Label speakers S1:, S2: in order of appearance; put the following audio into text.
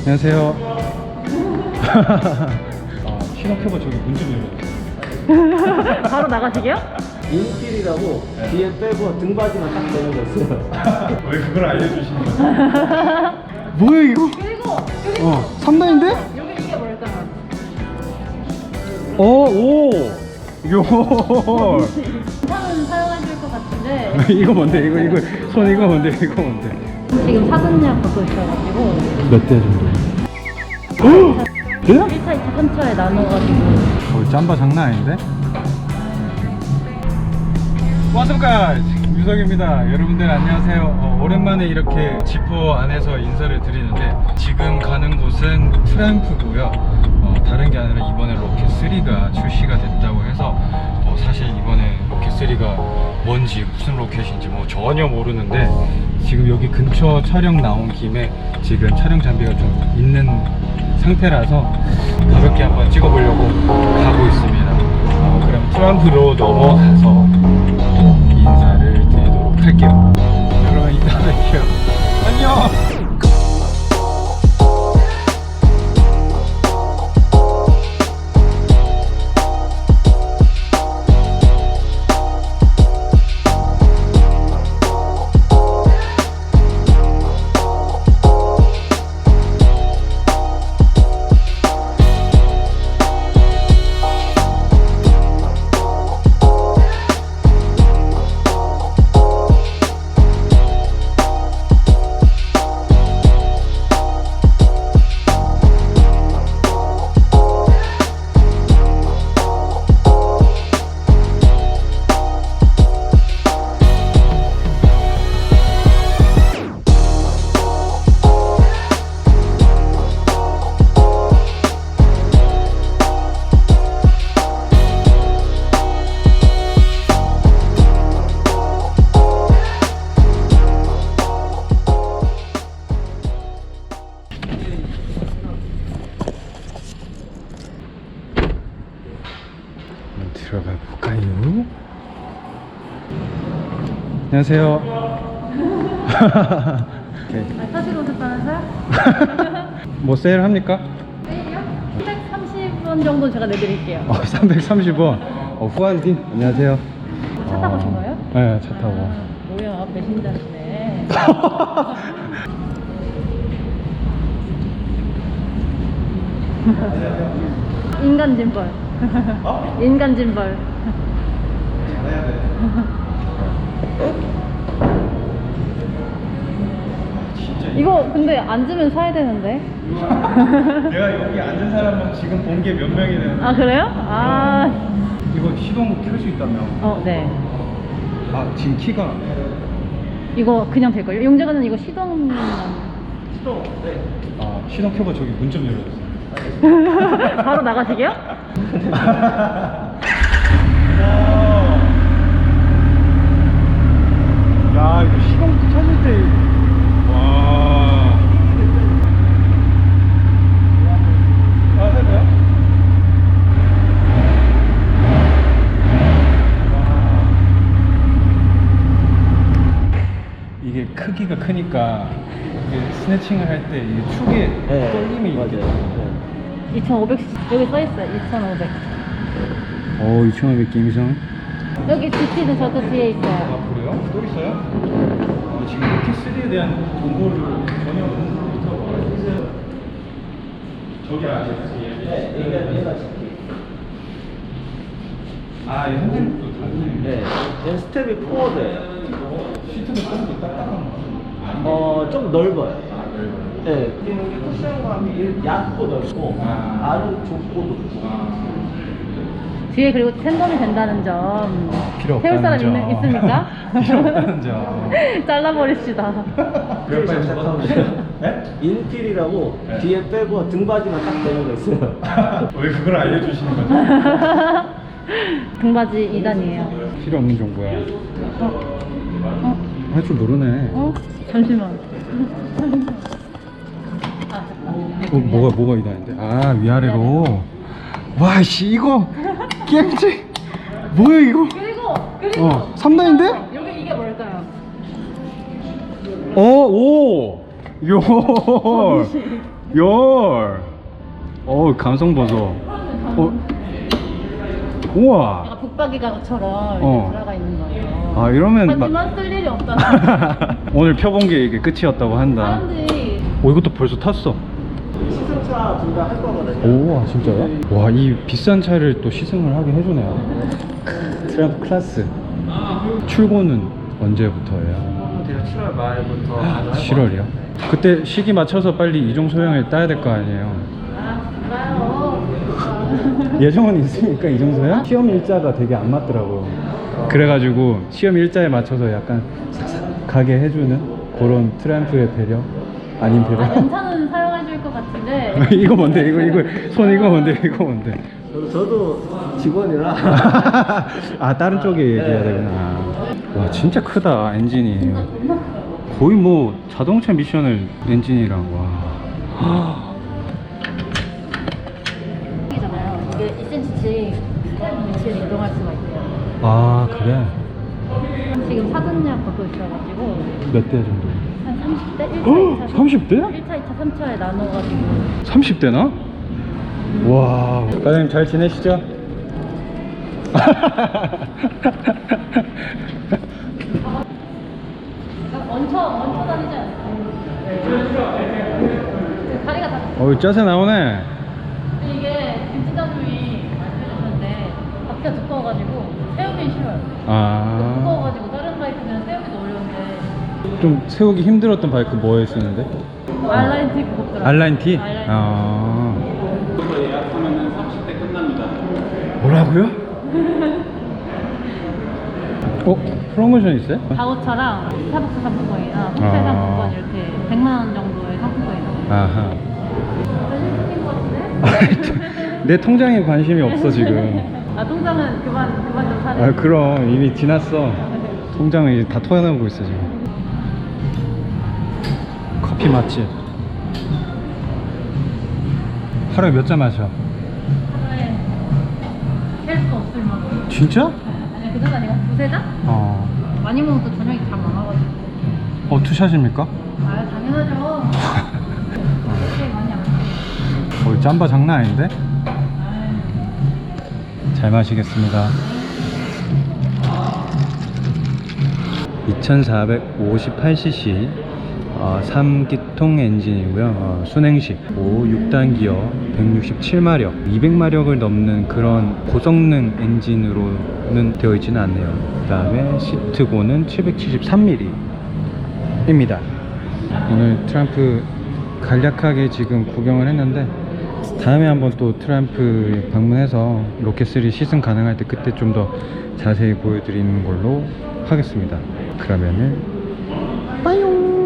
S1: 안녕하세요. 시동 켜봐. 저기 문 좀 열어주세요.
S2: 바로 나가시게요?
S3: 인필이라고 뒤에 빼고 등받이만 딱 되는 거 있어요.
S1: 왜 그걸 알려주시는 거예요? 뭐야 이거?
S2: 그리고
S1: 3단인데?
S2: 여기 이게 뭘까요?
S1: 오! 요!
S2: 차는 사용하실 것 같은데
S1: 이거 뭔데? 이거 손 이거 뭔데? 이거 뭔데?
S2: 지금 사전예약 받고 있어가지고
S1: 몇 대 정도? 어? 네?
S2: 1차, 2차, 3차에 나눠가지고
S1: 짬바 장난 아닌데? 와서까지 유석입니다. 여러분들 안녕하세요. 오랜만에 이렇게 지포 안에서 인사를 드리는데 지금 가는 곳은 트램프고요. 다른 게 아니라 이번에 로켓3가 출시가 됐다고 해서 사실 이번에 로켓3가 뭔지 무슨 로켓인지 전혀 모르는데 지금 여기 근처 촬영 나온 김에 지금 촬영 장비가 좀 있는 상태라서 가볍게 한번 찍어보려고 가고 있습니다. 그럼 트램프로 넘어가서 인사를 드리도록 할게요. 여러분 이따 뵐게요. 안녕. 들어가 볼까요? 안녕하세요.
S2: 사실 오셨다면서요?
S1: 뭐 세일 합니까?
S2: 세일이요? 330원 정도 제가 내드릴게요.
S1: 330원. 후안딘. 안녕하세요.
S2: 차 타고 오신 거예요?
S1: 네, 차 타고.
S2: 뭐야, 배신자시네. 인간 짐벌. 인간 짐벌. 이거 근데 앉으면 사야 되는데.
S1: 내가 여기 앉은 사람은 지금 본 게 몇 명이 되는
S2: 아 그래요? 아.
S1: 이거 시동 켤 수 있다며?
S2: 네.
S1: 지금 키가
S2: 이거 그냥 될걸요? 용재가는 이거 시동.
S1: 시동 켜봐. 저기 문 좀 열어주세요.
S2: 바로 나가시게요?
S1: 야, 이거 시동 켜질 때 와. 해봐요? 이게 크기가 크니까 이게 스네칭을 할 때 이 축에 떨림이 있거든요.
S2: 2,500 여기 써있어요. 2,500.
S1: 2,500 게임성.
S2: 여기 GT는 저도 뒤에 있어요.
S1: 그래요? 또 있어요? 지금 로켓3에 대한 정보를 전혀 모르겠어요. 저기
S3: 얘가 시티.
S1: 이 핸들도 다르네.
S3: 네, 얘는 스텝이 포워드예요.
S1: 시트는 좀 딱딱한 거.
S3: 좀 넓어요.
S1: 넓어요.
S3: 네, 쿠션감이 얇고 넓고 안은 좁고 높고.
S2: 뒤에 그리고 텐덤이 된다는 점
S1: 필요
S2: 태울 사람
S1: 없다는 점.
S2: 있습니까?
S1: 필요 없다는 점.
S2: 잘라버립시다.
S1: 몇 번 해보세요. 네?
S3: 인필이라고 뒤에 빼고 등받이만 딱 되는 거 있어요.
S1: 왜 그걸 알려주시는 거죠?
S2: 등받이 2단이에요.
S1: 필요 없는 정보야. 할 줄 모르네.
S2: 잠시만.
S1: 뭐가 이다는데? 위아래로. 와, 씨, 이거 게임지. 뭐야 이거?
S2: 그리고
S1: 3단인데?
S2: 여기 이게 뭘까요?
S1: 오. 열. 감성 보소. 우와.
S2: 약간 북박이가처럼
S1: 어.
S2: 들어가 있는 거예요.
S1: 아, 이러면
S2: 하지만 쓸 일이 없다.
S1: 오늘 펴본 게 이게 끝이었다고 한다.
S2: 사람들이
S1: 이것도 벌써 탔어.
S3: 시승차 둘 다 할 거거든요.
S1: 오, 진짜요? 와, 이 비싼 차를 또 시승을 하게 해주네요. 트램프 클래스. 출고는 언제부터예요?
S3: 대략 7월 말부터 가능할
S1: 7월이요? 그때 시기 맞춰서 빨리 이종 소형을 따야 될 거 아니에요? 예정은 있으니까 이종 소형? 시험 일자가 되게 안 맞더라고요. 그래가지고 시험 일자에 맞춰서 약간 싹싹 가게 해주는 그런 트램프의 배려? 아닌 배려?
S2: 연차는 사용해줄 것 같은데.
S1: 이거 뭔데? 이거 손 이거 뭔데? 이거 뭔데?
S3: 저도 직원이라
S1: 아, 다른 쪽에 얘기해야 되구나. 와, 진짜 크다 엔진이. 거의 뭐 자동차 미션을 엔진이랑. 와.
S2: 이잖아요. 이게 2cm씩 위치를 이동할 수가 있대요.
S1: 아, 그래?
S2: 지금 사전예약 받고 있어가지고
S1: 몇 대 정도?
S2: 한 30대? 1차, 2차,
S1: 30대?
S2: 1차, 2차, 3차에 나눠가지고
S1: 30대나? 와. 과장님 잘 지내시죠?
S2: 얹혀 다니지 않아요? 다리가 다.
S1: 짜세 나오네.
S2: 근데 이게 김치장님이 말씀해주셨는데 바퀴가 두꺼워가지고 세우긴 싫어요.
S1: 아.
S2: 두꺼워가지고 다른 바이크는 세우기도 어려운데
S1: 좀 세우기 힘들었던 바이크 뭐에 쓰는데?
S2: 알라인 T 무겁더라고요.
S1: 알라인 T?
S2: 알라인 T.
S1: 아.
S3: 예약하면 30대 끝납니다.
S1: 뭐라고요? 프로모션 있어요?
S2: 자우차랑 스타벅스 상품권이나 호텔
S1: 아.
S2: 상품권 이렇게 100만 원 정도의 상품권이 나와요.
S1: 아하.
S2: 시킨 것 같은데?
S1: 내 통장에 관심이 없어 지금.
S2: 아 통장은 그만 좀 사래.
S1: 아, 그럼 이미 지났어. 통장은 이제 다 토해내고 있어 지금. 커피 맛집. 하루에 몇 잔 마셔?
S2: 하루에 셀 수 없을 만큼.
S1: 진짜?
S2: 아니 그 정도 아니고 두세 잔? 많이 먹으면 또 저녁이 다 많아가지고.
S1: 투샷입니까?
S2: 아 당연하죠. 그렇게 많이 안 먹어요.
S1: 짬바 장난 아닌데? 잘 마시겠습니다. 2458cc 3기통 엔진이고요. 순행식 6단 기어 167마력 200마력을 넘는 그런 고성능 엔진으로는 되어 있지는 않네요. 그 다음에 시트고는 773mm 입니다. 오늘 트램프 간략하게 지금 구경을 했는데 다음에 한번 또 트램프 방문해서 로켓3 시승 가능할 때 그때 좀 더 자세히 보여드리는 걸로 하겠습니다. 그러면은 빠용.